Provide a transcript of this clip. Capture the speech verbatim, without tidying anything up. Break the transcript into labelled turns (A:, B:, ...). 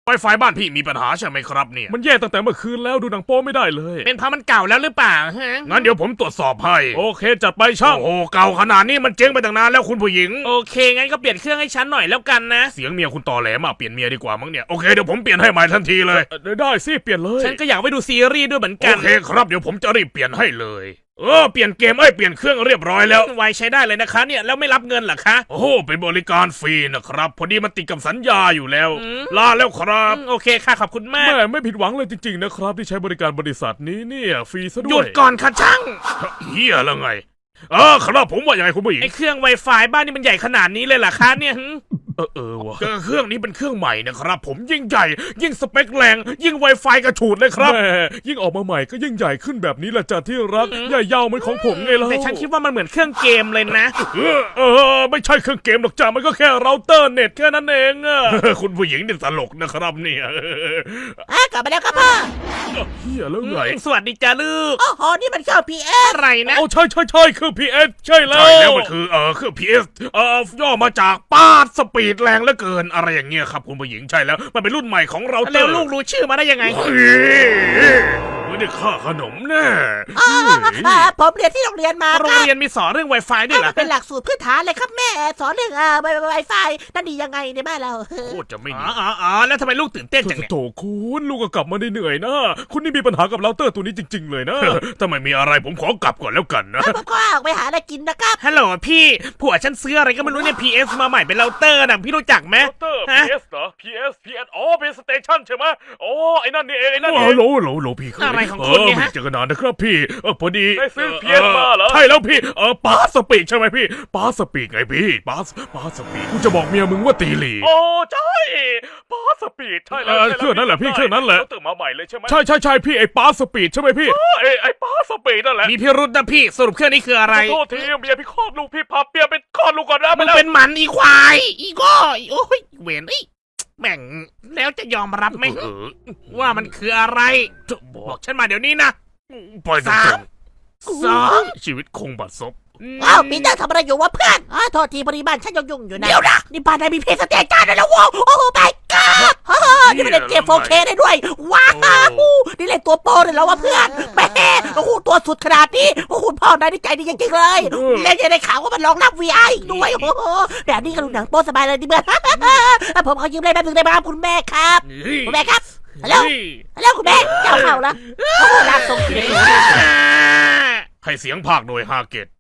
A: ไวไฟบ้านพี่มีปัญหาใช่ไหมครับเนี่ย
B: มันแย่ตั้งแต่เมื่อคืนแล้วดูหนังโป๊ไม่ได้เลย
C: เป็นเพราะมันเก่าแล้วหรือเปล่าฮะ
A: งั้นเดี๋ยวผมตรวจสอบให้
B: โอเคจัดไปช่าง
A: โอ้โหเก่าขนาดนี้มันเจ๊งไปตั้งนานแล้วคุณผู้หญิง
C: โอเคงั้นก็เปลี่ยนเครื่องให้ฉันหน่อยแล้วกันนะ
A: เสียงเมียคุณตอแหลมาเปลี่ยนเมียดีกว่ามั้งเนี่ยโอเคเดี๋ยวผมเปลี่ยนให้ใหม่ทันทีเลย
B: เออได้สิเปลี่ยนเลย
C: ฉันก็อยากไปดูซีรีส์ด้วยเหมือน
A: โอ
C: กัน
A: เคครับเดี๋ยวผมจะรีบเปลี่ยนให้เลยเออเปลี่ยนเกมเอ้ยเปลี่ยนเครื่องเรียบร้อยแล้ว
C: ไวใช้ได้เลยนะคะเนี่ยแล้วไม่รับเงินเหรอคะ
A: โอ้โหเป็นบริการฟรีนะครับพอดีมันติดกับสัญญาอยู่แล้ว
C: อืม
A: ลาแล้วครับ
C: อืมโอเคค่ะขอบคุณมาก
B: แม่ไม่ผิดหวังเลยจริงๆนะครับที่ใช้บริการบริษัทนี้เนี่ยฟรีซะด้วย
C: หยุดก่อนค่ะช่าง
A: เฮียแล้วไงเออครับผมว่ายังไงคุณผู้หญิง
C: ไอ้เครื่อง Wi-Fi บ้านนี่มันใหญ่ขนาดนี้เลยเหรอคะเนี่ยหึ
B: เออเออวะ
A: เครื่องนี้เป็นเครื่องใหม่นะครับผมยิ่งใหญ่ ยิ่งสเปคแรงยิ่ง Wi-Fi กระฉูดเลยครับ
B: แม่ยิ่งออกมาใหม่ก็ยิ่งใหญ่ขึ้นแบบนี้แหละจ้ะที่รักใหญ่ยาวเหมือนของผมไงล่ะ
C: แต่ฉันคิดว่ามันเหมือนเครื่องเกมเลยนะ
A: เออเออไม่ใช่เครื่องเกมหรอกจ้ามันก็แค่เราเตอร์เน็ตแค่นั้นเองอะ คุณผู้หญิงนี่ตลกนะครับเนี่ย
D: อ่ะกลับมาแล้วครับพ่อ
B: เฮียแล้วไง
C: สวัสดีจ้าลูก
D: โอ้โหนี่มันเครื่อง พี เอส
C: อะไรนะ
B: เอาใช่ใช่ใช่คือ พี เอส ใช่แล้ว
A: ใช่แล้วมันคือเออเครื่อง พี เอส เออย่อมาจากปาดสปีดแรงเหลือเกินอะไรอย่างเงี้ยครับคุณผู้หญิงใช่แล้วมันเป็นรุ่นใหม่ของเราเตอ
C: แล้ว
A: ร์
C: ลูกรู้ชื่อมาได้ยังไง
A: เฮ้ยไม่ได้ค่าขนมแน่
D: อ่าอ่าผมเรียนที่โรงเรียนมา
C: โร
D: ค
C: ง
D: รับ
C: เรียนมีสอนเรื่อง Wi-Fi ด้วยเหรอ
D: มันเป็นหลักสูตรพื้นฐานเลยครับแม่สอนเรื่องอ่าไวไฟนั่นดียังไงในบ้านเรา
A: โคตรจะไม่
C: อ๋
A: ดี
C: ออ๋ออ๋อแล้วทำไมลูกตื่นเต้นจังเนี่ย
B: โถคุณลูกก็กลับมาได้เหนื่อยนะคุณนี่มีปัญหากับเราเตอร์ตัวนี้จริง ๆ เลยนะ
A: ถ้าไม่มีอะไรผมขอกลับก่อนแล้วกันนะ
D: ผมก็ออกไปหาอะไรกินนะครับ
C: ฮัลโหลพี่ผัวฉันซื้ออะไรก็ไม่รู้เนี่ย พี เอส มาใหม่เป็นเราเตอร์นะพี่รู้จักไหม
B: เตอร์
C: ฮะ
B: พี เอส เหรอ พี เอส พี เอส อ๋อเป็นสเตชันใช่ไหมอ๋อไอ้นั่นนี่เองไอ้นั่น
A: โอ้
B: นี่เอง
A: โหโหลโหลพี่
C: อะไรของคุณเนี่ยฮะ
A: ไม่เจอกันนานนะครับพี่เออพอดี
B: ได้ซื้อ พี เอส มาเหรอ
A: ใช่แล้วพี่เออปาสปีกใช่ไหมพี่ปาสปีกไงพี่ปาสปาสปีกกูจะบอกเมียมึงว่าตีหลี
B: โอ้ใช่ปาสปีดใช่แล้ว
A: เออ
B: ใช่
A: เครื่องนั้นแหละพี่เครื่องนั้นแหละ
B: ขาตื่นมาใหม่เลยใช่ไหม
A: ใช่ใช่ใช่พี่ไอ้ปาสปีดใช่ไหมพี่
B: ไอ้ไอ้ปาสปีดนั่นแหละ
C: มีพิรุษนะพี่สรุปเครื่องนี้คืออะไร
B: โทษทีเมียพี่คลอดลูกพี่พาเปียเป็นคลอดลูกก่อนนะ
C: มึง
B: แล้ว
C: เป็นหมันอีควายอีก้อยโอ้ยเวนเอ้ยแม่งแล้วจะยอมรับไหม
A: เออ
C: ว่ามันคืออะไร
A: จะบอ
C: บอก กฉันมาเดี๋ยวนี้นะ
A: ปล่อยตร
C: สาง ม สอง
A: ๆชีวิตคงบัดซบ
D: อ้าวปีเตอร์ทำอะไรอยู่วะเพื่อนอ๋อโทษทีพอดีบ้านฉันยุ่งๆอยู่นะเดี๋ยวนะนี่บ้านนายมีเพลงสเตจจ้าด้วยแล้ววะโอ้โหไม่ก็นี่มันเล่นเกม โฟร์เค ได้ด้วยว้าวนี่เล่นตัวโปรเลยแล้ววะเพื่อนแหมโอ้โหตัวสุดขนาดนี้โอ้โหพ่อนายนี่ใจดีจริงๆเลยเล่นยังได้ข่าวว่ามันรองรับ วี ไอ ด้วยโอ้โหแบบนี้ก็ดูหนังโป๊สบายเลยดิเพื่อนผมขอยืมเล่นแป๊บนึงได้ไหมครับคุณแม่ครับคุณแม่ครับฮัลโหลฮัลโหลคุณแม่เจ้าเข้าแล้วโอ้โหลากส่งเสียง
A: ให้เสียงภาคโดยฮาเกต